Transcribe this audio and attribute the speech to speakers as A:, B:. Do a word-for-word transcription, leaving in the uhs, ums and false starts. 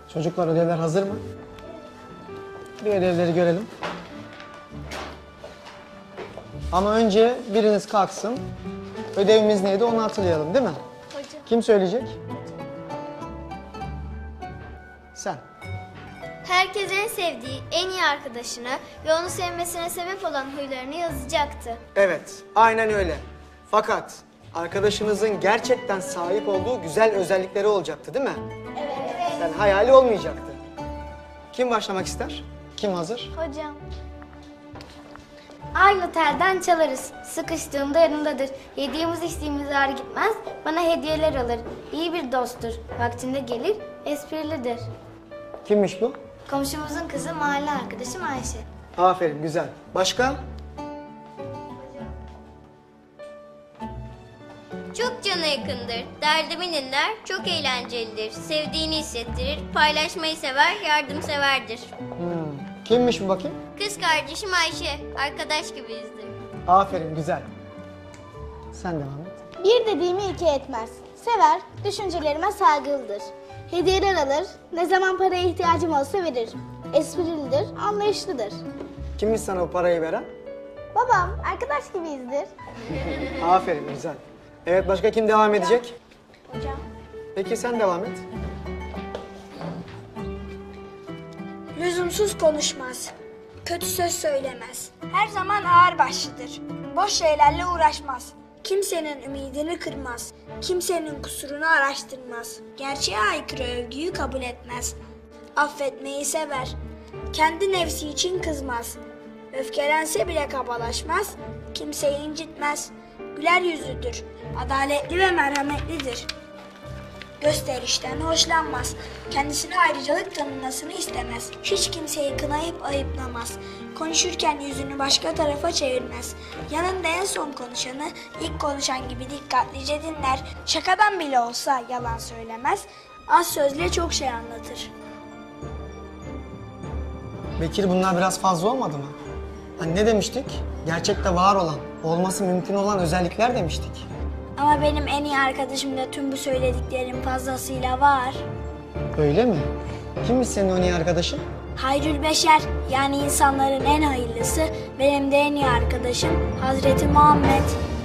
A: Çocuklar ödevler hazır mı? Bir ödevleri görelim. Ama önce biriniz kalksın. Ödevimiz neydi onu hatırlayalım değil mi?
B: Hocam.
A: Kim söyleyecek? Sen.
B: Herkes en sevdiği, en iyi arkadaşını ve onu sevmesine sebep olan huylarını yazacaktı.
A: Evet, aynen öyle. Fakat arkadaşınızın gerçekten sahip olduğu güzel özellikleri olacaktı değil mi?
B: Evet.
A: Yani hayali olmayacaktı. Kim başlamak ister? Kim hazır?
B: Hocam. Aynı telden çalarız. Sıkıştığımda yanımdadır. Yediğimiz içtiğimiz ağır gitmez. Bana hediyeler alır. İyi bir dosttur. Vaktinde gelir, esprilidir.
A: Kimmiş bu?
B: Komşumuzun kızı mahalle arkadaşım Ayşe.
A: Aferin, güzel. Başka?
C: Çok cana yakındır, derdimi dinler, çok eğlencelidir, sevdiğini hissettirir, paylaşmayı sever, yardımseverdir.
A: Hmm. Kimmiş bu bakayım?
C: Kız kardeşim Ayşe, arkadaş gibiyizdir.
A: Aferin, güzel. Sen devam et.
D: Bir dediğimi iki etmez. Sever, düşüncelerime saygılıdır. Hediyeler alır, ne zaman paraya ihtiyacım olsa verir. Esprilidir, anlayışlıdır.
A: Kimmiş sana bu parayı veren?
D: Babam, arkadaş gibiyizdir.
A: Aferin, güzel. Evet, başka kim devam edecek?
D: Hocam.
A: Peki sen devam et.
E: Lüzumsuz konuşmaz. Kötü söz söylemez. Her zaman ağırbaşlıdır. Boş şeylerle uğraşmaz. Kimsenin ümidini kırmaz. Kimsenin kusurunu araştırmaz. Gerçeğe aykırı övgüyü kabul etmez. Affetmeyi sever. Kendi nefsi için kızmaz. Öfkelense bile kabalaşmaz. Kimseyi incitmez. Güler yüzlüdür. Adaletli ve merhametlidir. Gösterişten hoşlanmaz. Kendisine ayrıcalık tanınmasını istemez. Hiç kimseyi kınayıp ayıplamaz. Konuşurken yüzünü başka tarafa çevirmez. Yanında en son konuşanı ilk konuşan gibi dikkatlice dinler. Şakadan bile olsa yalan söylemez. Az sözle çok şey anlatır.
A: Bekir, bunlar biraz fazla olmadı mı? Hani ne demiştik? Gerçekte var olan, olması mümkün olan özellikler demiştik.
E: Ama benim en iyi arkadaşımda tüm bu söylediklerim fazlasıyla var.
A: Öyle mi? Kimmiş senin o iyi arkadaşın?
E: Hayrül Beşer, yani insanların en hayırlısı, benim de en iyi arkadaşım Hazreti Muhammed.